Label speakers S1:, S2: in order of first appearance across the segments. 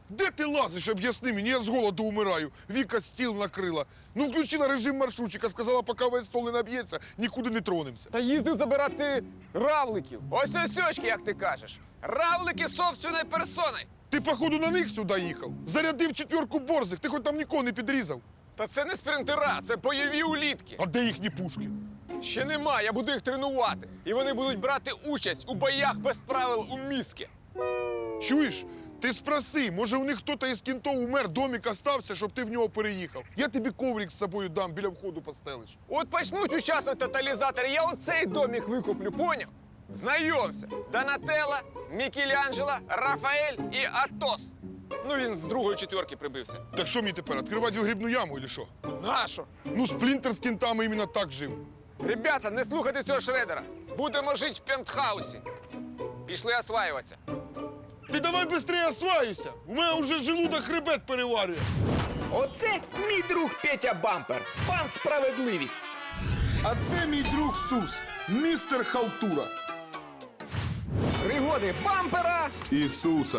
S1: Де ти лазиш, об'ясни мені, я з голоду умираю. Віка стіл накрила. Ну, включила режим маршрутчика, сказала, поки весь стол не наб'ється, нікуди не тронемося.
S2: Та їздив забирати равликів. Ось сьочки, як ти кажеш. Равлики собственною персоною.
S1: Ти, походу, на них сюди їхав. Зарядив 4 борзих, ти хоч там нікого не підрізав.
S2: Та це не спринтера, це бойові улітки.
S1: А де їхні пушки?
S2: Ще нема, я буду їх тренувати. І вони будуть брати участь у боях без правил у міське.
S1: Чуєш? Ти спроси, може у них хтось із кінтов умер, домик остався, щоб ти в нього переїхав. Я тобі коврик з собою дам, біля входу постелиш.
S2: От почнуть участвувати тоталізатори, я оцей домик викуплю, поняв? Знайомся. Донателло, Мікеланджело, Рафаель і Атос. Ну він з другої четверки прибився.
S1: Так що мені тепер, відкривати грибну яму, чи що?
S2: Нащо?
S1: Ну, Сплінтер з кінтами іменно так жив.
S2: Ребята, не слухайте цього Шредера. Будемо жити в пентхаусі. Пішли осваюватися.
S1: Ти давай швидше осваюйся, у мене вже желудок хребет переварює.
S3: Оце мій друг Петя Бампер, пан Справедливість.
S1: А це мій друг Сус, містер Халтура.
S3: Пригоди Бампера.
S1: Ісуса.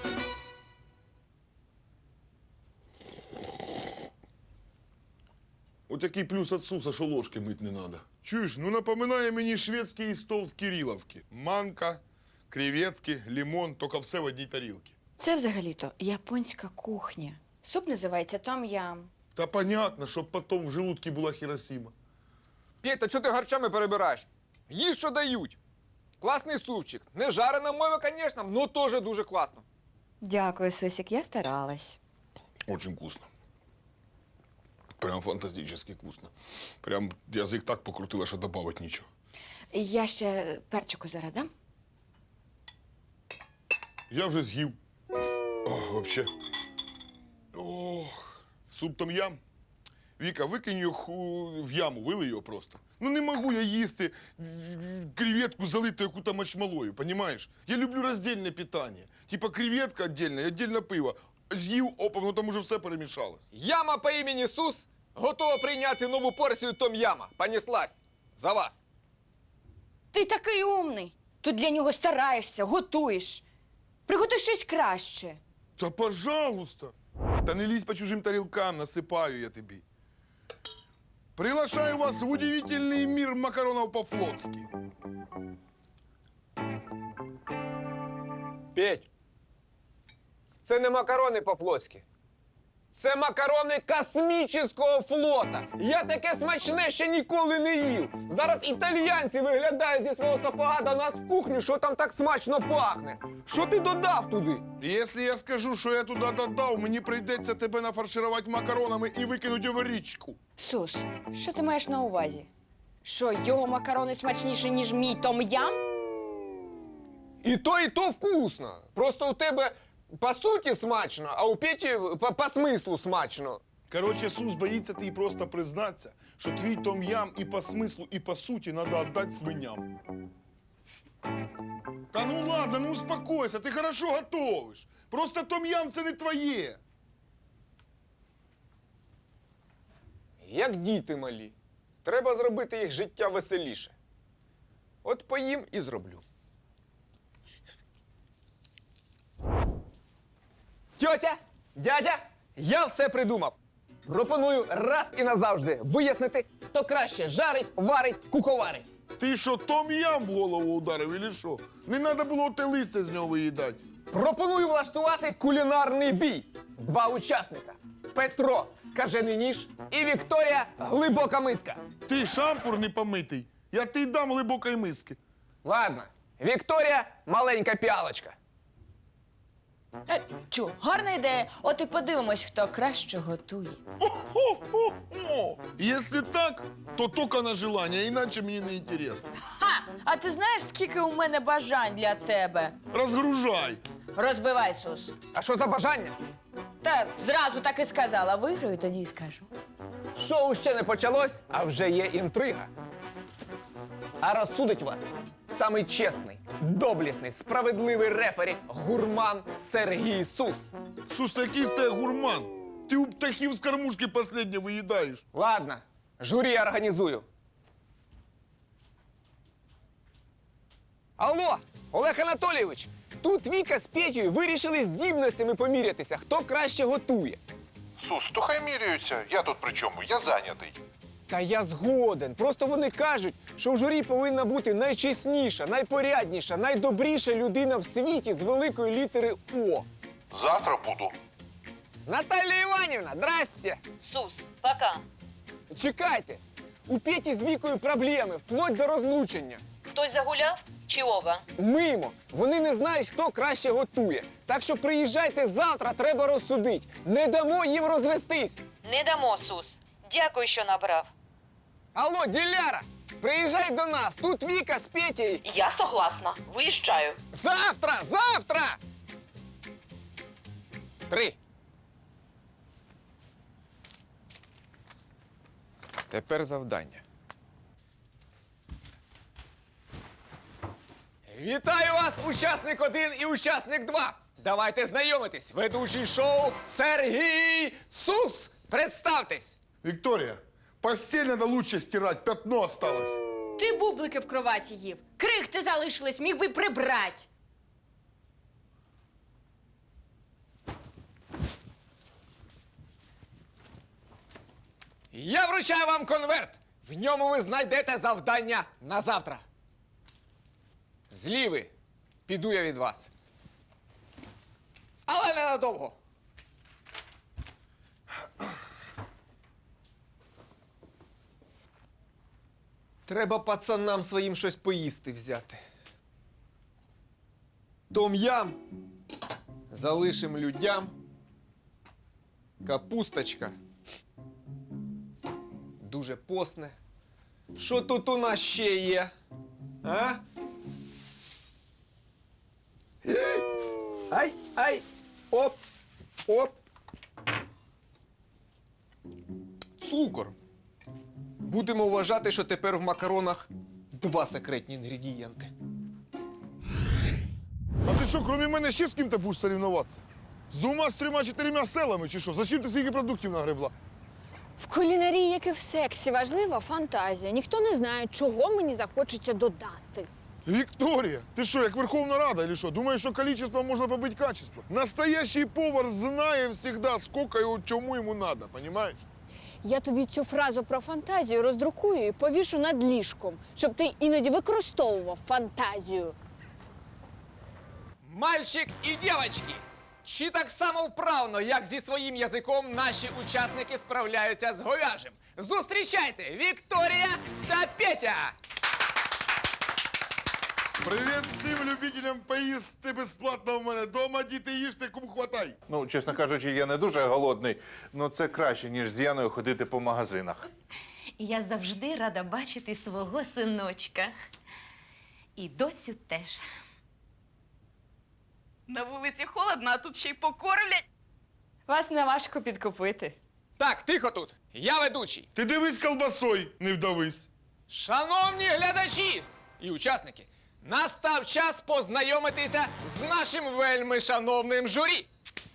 S1: От який плюс від Суса, що ложки мить не треба. Чуєш, ну напоминає мені шведський стол в Кириловці. Манка, креветки, лимон, тільки все в одній тарілці.
S4: Це взагалі-то японська кухня. Суп називається том-ям.
S1: Та понятно, щоб потім в желудці була Хіросіма.
S2: Петя, чого ти гарчами перебираєш? Їж, що дають. Класний супчик. Не жарена мова, звісно, але теж дуже класно.
S4: Дякую, Сусік, я старалась.
S1: Очень вкусно. Прям фантастически вкусно. Прям язик так покрутила, що добавити нічого.
S4: Я ще перчику зараз дам.
S1: Я вже з'їв. Ох, вообще. Ох, суп том-ям. Віка, викинь його в яму, вилий його просто. Ну не можу я їсти креветку залиту яку-то мочмалою, понімаєш? Я люблю роздільне питання. Типа креветка віддільно і віддільно пиво. З'їв, опа, воно там уже все перемішалось.
S2: Яма по імені Сус готова прийняти нову порцію том-яма. Понеслась. За вас.
S4: Ти такий умний. Тут для нього стараєшся, готуєш. Приготуй щось краще.
S1: Та пожалуйста. Та не лізь по чужим тарілкам, насипаю я тобі. Приглашаю вас в удивительный мир макаронов по-флотски.
S2: Петь, це не макарони по-флотськи. Це макарони космічного флота. Я таке смачне ще ніколи не їв. Зараз італіянці виглядають зі свого сапога до нас в кухню, що там так смачно пахне. Що ти додав туди?
S1: Якщо я скажу, що я туди додав, мені прийдеться тебе нафарширувати макаронами і викинути в річку.
S4: Сус, що ти маєш на увазі? Що, його макарони смачніші, ніж мій том-ям?
S2: І то вкусно. Просто у тебе по суті смачно, а у Петі по смислу смачно.
S1: Короче, Сус боїться ти просто признатися, що твій том-ям і по смислу, і по суті треба віддати свиням. Та ну ладно, ну успокойся, ти хорошо готовиш. Просто том-ям це не твоє.
S2: Як діти малі. Треба зробити їх життя веселіше. От поїм і зроблю. Тьотя, дядя, я все придумав. Пропоную раз і назавжди вияснити, хто краще жарить, варить, куховарить.
S1: Ти що, том-ям в голову ударив, или що? Не треба було те листя з нього виїдати.
S2: Пропоную влаштувати кулінарний бій. 2 учасника. Петро Скажений ніж і Вікторія Глибока миска.
S1: Ти шампур не помитий, я ти дам глибокої миски.
S2: Ладно, Вікторія маленька піалочка.
S4: Чу, гарна ідея. От і подивимось, хто краще готує.
S1: О, якщо так, то тільки на желання, іначе мені не інтересно.
S4: Ха! А ти знаєш, скільки у мене бажань для тебе?
S1: Розгружай.
S4: Розбивай, Сус.
S2: А що за бажання?
S4: Та зразу так і сказала. Виграю, тоді і скажу.
S2: Шоу ще не почалось, а вже є інтрига. А розсудить вас самий чесний, доблісний, справедливий рефері гурман Сергій Сус.
S1: Сус, ти якийсь ти гурман. Ти у птахів з кормушки последнє виїдаєш.
S2: Ладно, журі я організую. Алло, Олег Анатолійович, тут Віка з Петєю вирішили здібностями помірятися, хто краще готує.
S5: Сус, то хай міряються. Я тут при чому? Я зайнятий.
S2: Та я згоден. Просто вони кажуть, що в журі повинна бути найчесніша, найпорядніша, найдобріша людина в світі з великої літери О.
S5: Завтра буду.
S2: Наталя Іванівна, здрасте!
S6: Сус, пока.
S2: Чекайте! У Петі з Вікою проблеми, вплоть до розлучення.
S6: Хтось загуляв? Чи Ова?
S2: Мимо. Вони не знають, хто краще готує. Так що приїжджайте завтра, треба розсудити. Не дамо їм розвестись.
S6: Не дамо, Сус. Дякую, що набрав.
S2: Алло, Діляра, приїжджай до нас. Тут Віка з Петєю.
S6: Я согласна. Виїжджаю.
S2: Завтра! Завтра! 3. Тепер завдання. Вітаю вас, учасник 1 і учасник 2. Давайте знайомитись. Ведучий шоу Сергій Сус. Представтесь.
S1: Виктория, постель надо лучше стирать, пятно осталось.
S4: Ти бублики в кроваті їв. Крихти залишились, міг би прибрати.
S2: Я вручаю вам конверт. В ньому ви знайдете завдання на завтра. Зліви. Піду я від вас. Але ненадовго. Треба пацанам своїм щось поїсти взяти. Том-ям. Залишим людям. Капусточка. Дуже посне. Що тут у нас ще є? А? Ай, ай, оп, оп. Цукор. Будемо вважати, що тепер в макаронах 2 секретні інгредієнти.
S1: А ти що, крім мене, ще з ким-то будеш соревноватися? З 2-3-4 селами чи що? Зачем ти скільки продуктів нагребла?
S4: В кулінарії, як і в сексі, важлива фантазія. Ніхто не знає, чого мені захочеться додати.
S1: Вікторія, ти що, як Верховна Рада, или що? Думаєш, що количество можна побити качество? Настоящий повар знає всегда, сколько його, чому йому надо, понимаешь?
S4: Я тобі цю фразу про фантазію роздрукую і повішу над ліжком, щоб ти іноді використовував фантазію.
S2: Мальчик і дівчатки! Чи так само вправно, як зі своїм язиком наші учасники справляються з говяжим? Зустрічайте Вікторія та Петя!
S1: Привіт всім любителям поїсти безплатно в мене дома. Діти, їжте, кому хватай.
S5: Ну, чесно кажучи, я не дуже голодний, але це краще, ніж з Яною ходити по магазинах.
S7: Я завжди рада бачити свого синочка. І доцю теж. На вулиці холодно, а тут ще й покормлять.
S4: Вас не важко підкупити.
S2: Так, тихо тут! Я ведучий.
S1: Ти дивись колбасой, не вдавись.
S2: Шановні глядачі і учасники, настав час познайомитися з нашим вельми шановним журі.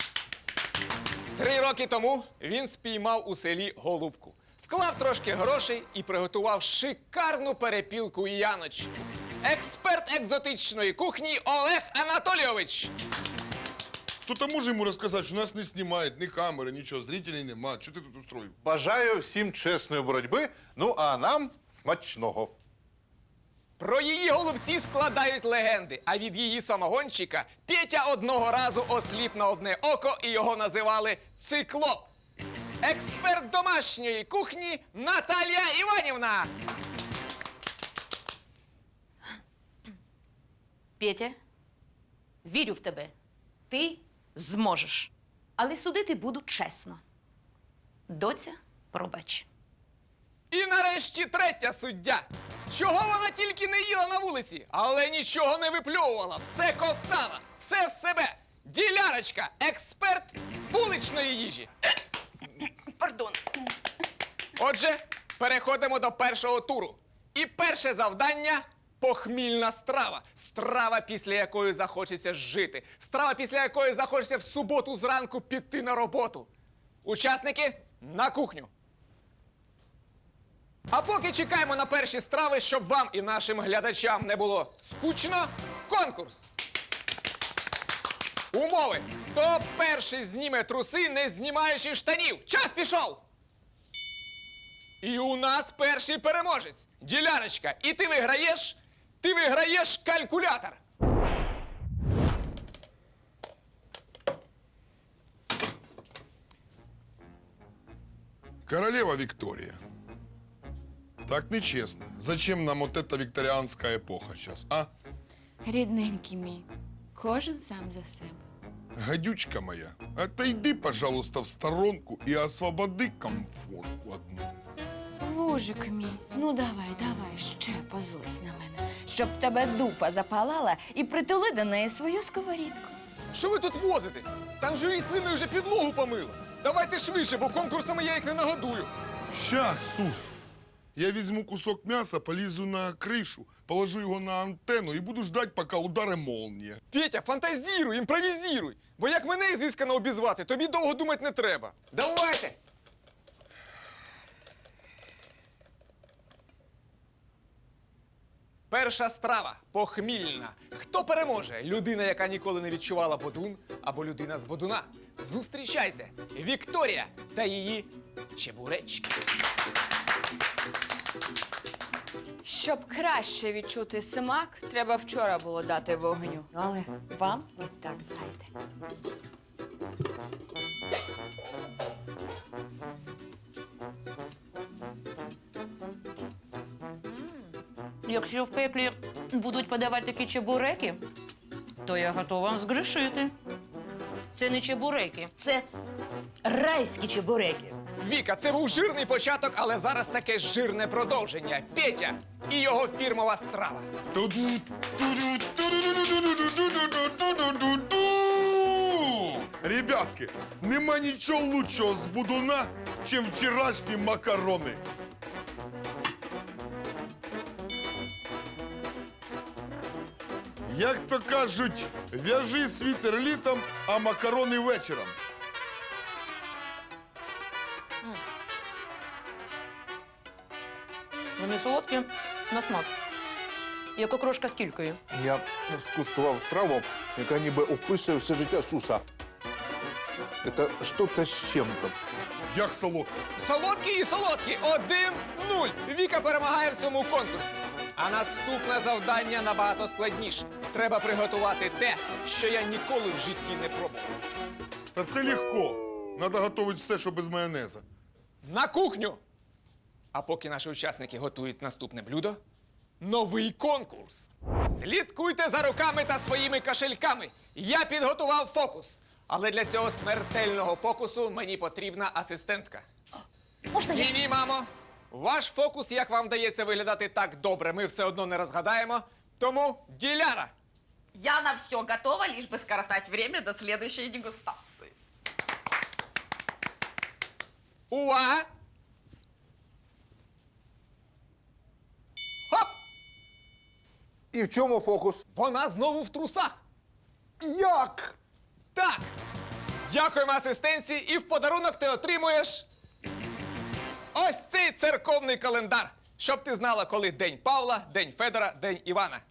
S2: 3 роки тому він спіймав у селі голубку, вклав трошки грошей і приготував шикарну перепілку Яночку. Експерт екзотичної кухні Олег Анатолійович.
S1: Хто-то може йому розказати, що нас не знімають, ні камери, нічого, зрителей нема. Що ти тут устроїв?
S5: Бажаю всім чесної боротьби, ну а нам смачного.
S2: Про її голубці складають легенди, а від її самогончика Петя одного разу осліп на одне око і його називали циклоп. Експерт домашньої кухні Наталія Іванівна.
S7: Петя, вірю в тебе. Ти зможеш. Але судити буду чесно. Доця, пробач.
S2: І нарешті третя суддя. Чого вона тільки не їла на вулиці, але нічого не випльовувала, все ковтала, все в себе. Ділярочка, експерт вуличної їжі.
S7: Пардон.
S2: Отже, переходимо до першого туру. І перше завдання – похмільна страва. Страва, після якої захочеться жити. Страва, після якої захочеться в суботу зранку піти на роботу. Учасники, на кухню. А поки чекаємо на перші страви, щоб вам і нашим глядачам не було скучно, конкурс. Умови. Хто перший зніме труси, не знімаючи штанів? Час пішов! І у нас перший переможець. Ділярочка, і ти виграєш? Ти виграєш калькулятор.
S1: Королева Виктория. Так нечестно. Зачем нам вот эта викторианская эпоха сейчас, а?
S4: Рідненький мій, кожен сам за себе.
S1: Гадючка моя, отойди, пожалуйста, в сторонку и освободи комфортку одну.
S4: Вужик мій, ну давай, ще позлись на мене, щоб в тебе дупа запалала і притули до неї свою сковорідку.
S2: Що ви тут возитесь? Там журі слиною вже підлогу помило. Давайте швидше, бо конкурсами я їх не нагодую.
S1: Щас, Сус. Я візьму кусок м'яса, полізу на кришу, положу його на антенну і буду ждать, поки ударе молнія.
S2: Петя, фантазіруй, імпровізіруй. Бо як мене ізискано обізвати, тобі довго думати не треба. Давайте! Перша страва похмільна. Хто переможе? Людина, яка ніколи не відчувала бодун, або людина з бодуна. Зустрічайте! Вікторія та її чебуречки.
S4: Щоб краще відчути смак, треба вчора було дати вогню. Але вам і так зайде.
S8: Якщо в пеклі будуть подавати такі чебуреки, то я готова згрішити. Це не чебуреки, це райські чебуреки.
S2: Віка, це був жирний початок, але зараз таке жирне продовження. Петя і його фірмова страва.
S1: Ребятки, нема нічого лучшого з будуна, чим вчорашні макарони. Як то кажуть, в'яжи світер літом, а макарони вечором.
S8: Вони солодкі на смак. Як окрошка з кількою.
S5: Я скуштував страву, яка ніби описує все життя Суса. Це щось з чим-то.
S1: Як солодко.
S2: Солодкі і солодкі. 1-0. Віка перемагає в цьому конкурсі. А наступне завдання набагато складніше. Треба приготувати те, що я ніколи в житті не пробував.
S1: Та це легко. Надо готувати все, що без майонеза.
S2: На кухню! А поки наші учасники готують наступне блюдо, новий конкурс. Слідкуйте за руками та своїми кошельками. Я підготував фокус. Але для цього смертельного фокусу мені потрібна асистентка.
S8: Можна я?
S2: Ні, мамо. Ваш фокус, як вам вдається виглядати так добре, ми все одно не розгадаємо. Тому Діляра.
S9: Я на все готова, лишь бы скоротать время до следующей дегустации.
S2: Увага! Хоп!
S5: І в чому фокус?
S2: Вона знову в трусах.
S5: Як?
S2: Так. Дякуємо асистенці, і в подарунок ти отримуєш ось цей церковний календар, щоб ти знала, коли День Павла, День Федора, День Івана.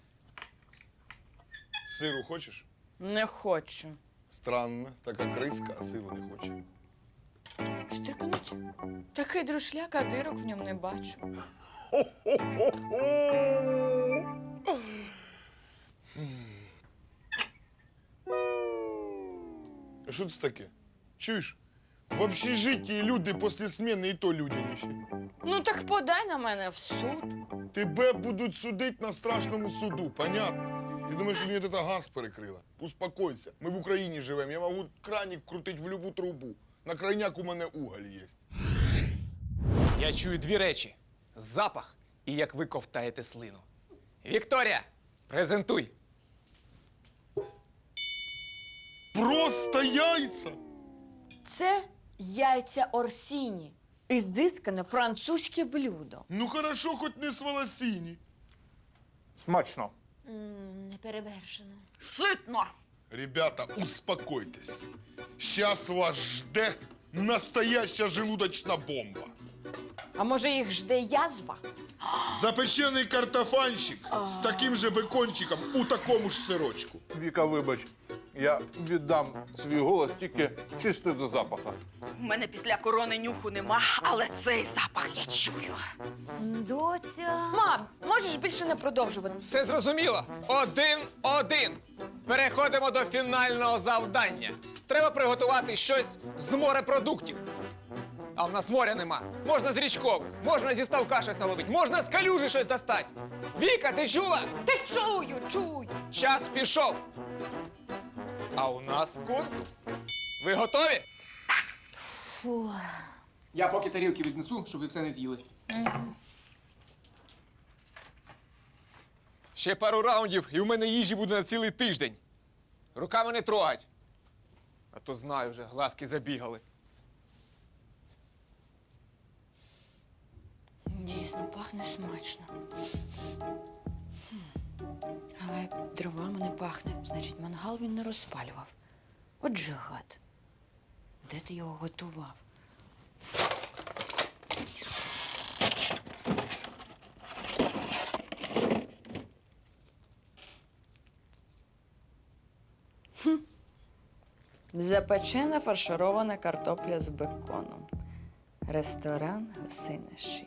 S1: Сиру хочеш?
S4: Не хочу.
S1: Странно, така криска, а сиру не хоче.
S4: Штрикнуть. Такий друшляк, а дирок в ньому не бачу.
S1: А що це таке? Чуєш? В общежитті люди після зміни і то людяніші.
S4: Ну так подай на мене в суд.
S1: Тебе будуть судити на страшному суду, понятно? Ти думаєш, що мені це газ перекрила? Успокойся, ми в Україні живемо, я можу краник крутити в любу трубу. На крайняк у мене уголь є.
S2: Я чую дві речі: запах і як ви ковтаєте слину. Вікторія, презентуй.
S1: Просто яйця!
S4: Це яйця Орсіні. Ізискане французьке блюдо.
S1: Ну хорошо, хоч не з волосіні.
S5: Смачно.
S8: Неперевершено.
S9: Сытно!
S1: Ребята, успокойтесь. Сейчас вас жде настоящая желудочная бомба.
S4: А може їх жде язва?
S1: Запечений картофанчик з таким же бекончиком у такому ж сирочку.
S5: Віка, вибач, Я віддам свій голос тільки чисто за запаха.
S9: У мене після корони нюху нема, але цей запах я чую.
S7: Доця.
S4: Мам, можеш більше не продовжувати?
S2: Все зрозуміло. 1-1. Переходимо до фінального завдання. Треба приготувати щось з морепродуктів. А в нас моря нема. Можна з річкових, можна зі ставка щось наловити, можна з калюжі щось достати. Віка, ти чула?
S4: Та чую.
S2: Час пішов. А у нас конкурс. Ви готові?
S7: Фу.
S2: Я поки тарілки віднесу, щоб ви все не з'їли. Ще пару раундів, і у мене їжі буде на цілий тиждень. Руками не трогать. А то знаю вже, глазки забігали.
S4: Дійсно, пахне смачно. Але дровами не пахне. Значить, мангал він не розпалював. Отже, гад. Де ти його готував? Запечена фарширована картопля з беконом. Ресторан «Гусина шия».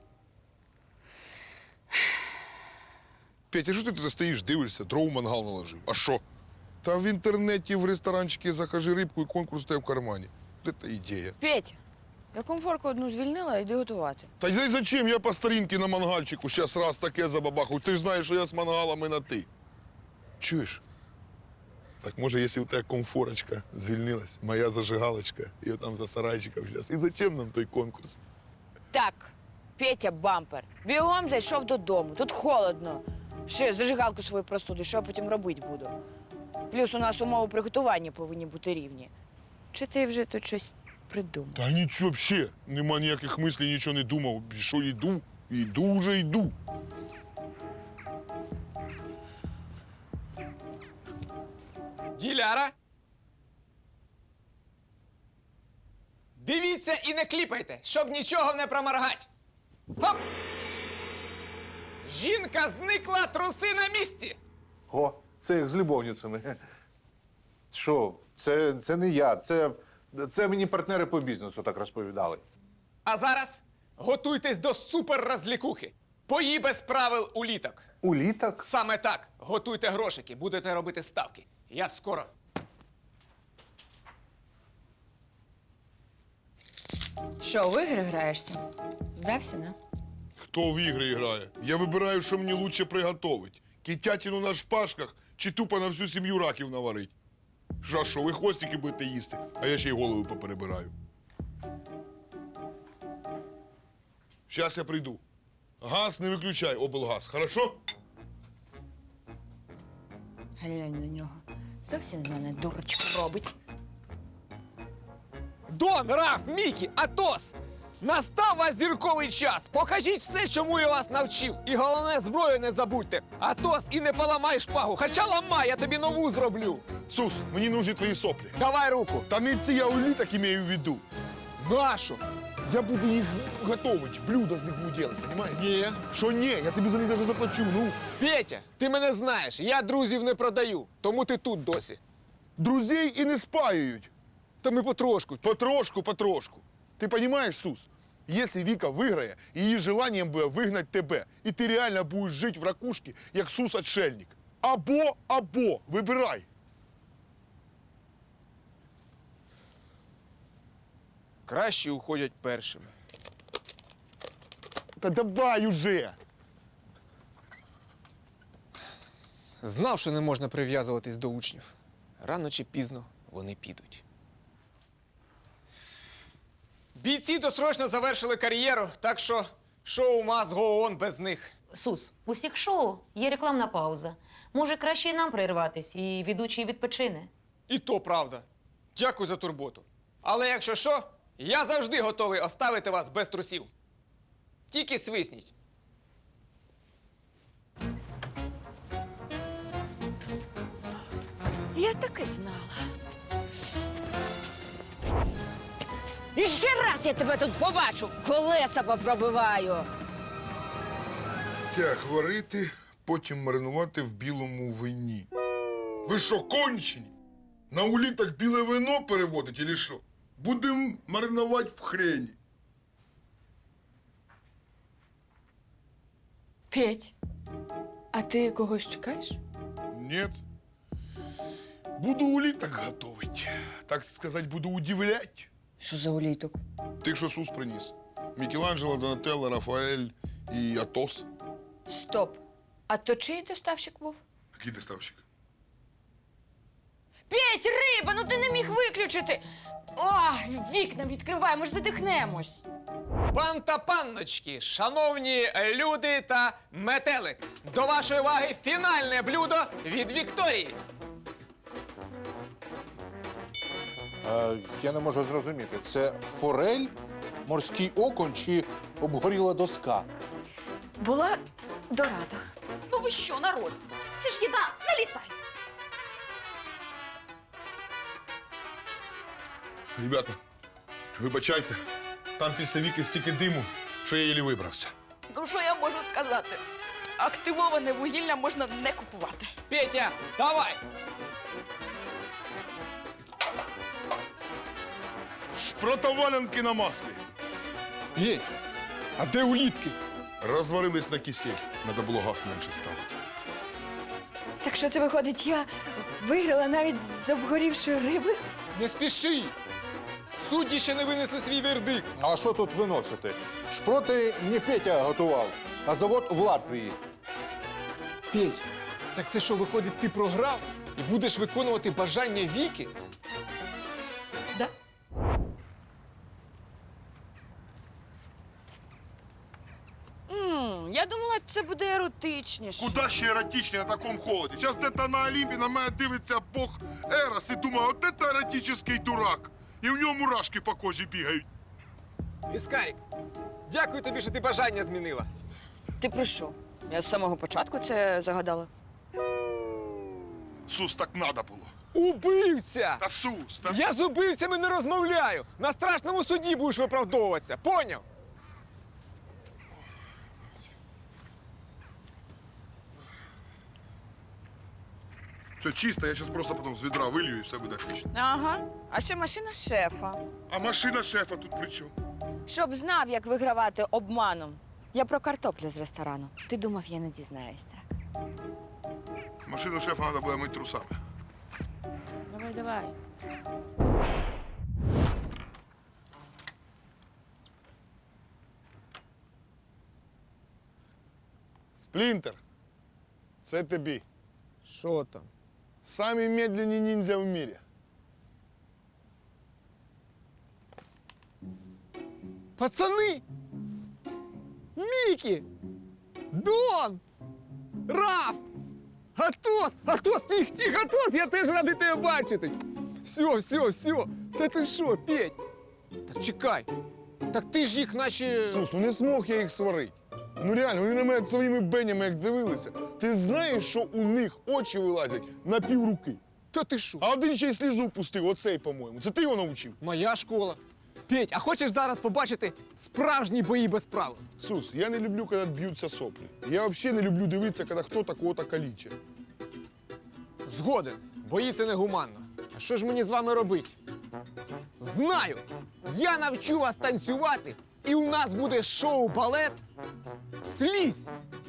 S1: Петя, що ти тут стоїш, дивишся, дров в мангал наложив? А що? Та в інтернеті, в ресторанчики закажи рибку і конкурс тебе в кармані. Це ідея.
S4: Петя, я комфорку одну звільнила, йди готувати.
S1: Та й зачем я по старінки на мангальчику щас раз таке забабахаю? Ти ж знаєш, що я з мангалами на ти. Чуєш? Так може, якщо у тебе комфорочка звільнилась, моя зажигалочка, і отам за сарайчиком зараз. І зачем нам той конкурс?
S4: Так, Петя Бампер, бігом зайшов додому. Тут холодно. Що я зажигалку свою простуду, що я потім робити буду? Плюс у нас умови приготування повинні бути рівні. Чи ти вже тут щось придумав?
S1: Та нічого взагалі. Нема ніяких мислів, нічого не думав. Що йду? Йду вже йду.
S2: Діляра. Дивіться і не кліпайте, щоб нічого не проморгать. Хоп! Жінка зникла, труси на місці.
S5: О, це як з любовницями. Що, це не я, це мені партнери по бізнесу так розповідали.
S2: А зараз готуйтесь до суперрозлікухи. Бої без правил у літок.
S5: У літак?
S2: Саме так. Готуйте грошики, будете робити ставки. Я скоро.
S4: Що, в ігри граєшся? Здався, не?
S1: Хто в ігри грає? Я вибираю, що мені лучше приготовить. Китятину на шпажках чи тупо на всю сім'ю раків наварить. Що, ви хвостики будете їсти, а я ще й голову поперебираю. Щас я прийду. Газ не виключай, облгаз, хорошо?
S4: Глянь на нього. Зовсім з мене дурочку робить.
S2: Дон, Раф, Мікі, Атос! Настав вас зірковий час! Покажіть все, чому я вас навчив. І головне, зброю не забудьте. Атос, і не поламай шпагу. Хоча ламай, я тобі нову зроблю.
S1: Сус, мені нужні твої соплі.
S2: Давай руку.
S1: Та не ці я у літак имею в виду.
S2: Нашу.
S1: Я буду їх готовить, блюдо з них буду робити, розумієш?
S2: Ні.
S1: Що ні? Я тобі за них навіть заплачу, ну.
S2: Петя, ти мене знаєш, я друзів не продаю, тому ти тут досі.
S1: Друзей і не спаюють.
S2: Та ми потрошку.
S1: Потрошку. Ти розумієш, Сус? Якщо Віка виграє, її желанням буде вигнати тебе. І ти реально будеш жити в ракушці, як Сус-отшельник. Або, вибирай.
S2: Кращі уходять першими.
S1: Та давай уже.
S2: Знав, що не можна прив'язуватись до учнів. Рано чи пізно вони підуть. Бійці досрочно завершили кар'єру, так що шоу must go on без них.
S7: Сус, у всіх шоу є рекламна пауза. Може, краще і нам прерватись, і ведучий відпочине.
S2: І то правда. Дякую за турботу. Але якщо що, я завжди готовий оставити вас без трусів. Тільки свисніть.
S4: Я так і знала. І ще раз я тебе тут побачу, колеса попробиваю.
S1: Так, варити, потім маринувати в білому вині. Ви що, кончені? На уліток біле вино переводить, или що? Будем маринувати в хрені.
S4: Петь, а ти когось чекаєш?
S1: Нет. Буду уліток готовить. Так сказать, буду удивлять.
S4: Що за уліток?
S1: Тих, що Сус приніс. Мікеланджело, Донателло, Рафаель і Атос.
S4: Стоп. А то чий доставщик був?
S1: Який доставщик?
S4: Петь, риба, ну ти не міг виключити. О, вікна відкривай, ми ж задихнемось.
S2: Пан та панночки, шановні люди та метелик, до вашої уваги фінальне блюдо від Вікторії.
S5: Я не можу зрозуміти, це форель, морський окунь чи обгоріла доска?
S4: Була дорада.
S9: Ну ви що, народ? Це ж їда, залітай.
S1: Ребята, вибачайте, там після Віки стільки диму, що я єлі вибрався.
S9: Ну що я можу сказати? Активоване вугілля можна не купувати.
S2: Петя, давай!
S1: Шпротовалянки на маслі.
S2: Петь, а де улітки?
S1: Розварились на кисель. Надо було газ менше ставити.
S4: Так що це виходить, я виграла навіть з обгорівшої риби?
S2: Не спіши! Судді ще не винесли свій вердикт.
S5: А що тут виносити? Шпроти не Петя готував, а завод в Латвії.
S2: Петь, так це що, виходить, ти програв і будеш виконувати бажання Віки?
S9: Да?
S4: Я думала, це буде еротичніше.
S1: Куда ще еротичні на такому холоді? Зараз де-то на Олімпі на мене дивиться Бог Ерос і думає, от це еротичний дурак. І в нього мурашки по кожі бігають.
S2: Іскарік, дякую тобі, що ти бажання змінила.
S4: Ти про що? Я з самого початку це загадала.
S1: Сус, так надо було.
S2: Убивця!
S1: Та Сус, та...
S2: Я з убивцями не розмовляю. На страшному суді будеш виправдовуватися. Поняв?
S1: Все чисто, я зараз просто потім з відра вилью і все буде отлично.
S4: Ага. А ще машина шефа.
S1: А машина шефа тут при чому?
S4: Щоб знав, як вигравати обманом. Я про картоплю з ресторану. Ти думав, я не дізнаюсь, так?
S1: Машину шефа треба буде мити трусами.
S4: Давай, давай.
S1: Сплінтер, це тобі.
S2: Що там?
S1: Самі медленні ніндзя в мірі.
S2: Пацани! Мікі! Дон! Раф! Атос! Атос, тих, Атос! Я теж радий тебе бачити! Все. Та ти що, Петь? Так чекай. Так ти ж їх наче...
S1: Сус, ну не змог я їх сварити. Ну реально, вони на мене своїми бенями як дивилися. Ти знаєш, що у них очі вилазять на півруки?
S2: Та ти що?
S1: А один ще й слізу пустив, оцей, по-моєму. Це ти його навчив?
S2: Моя школа. Петь, а хочеш зараз побачити справжні бої без правил?
S1: Сус, я не люблю, коли б'ються соплі. Я взагалі не люблю дивитися, коли хто-то кого-то калічить.
S2: Згоден. Бої це негуманно. А що ж мені з вами робити? Знаю! Я навчу вас танцювати, і у нас буде шоу-балет «Слізь».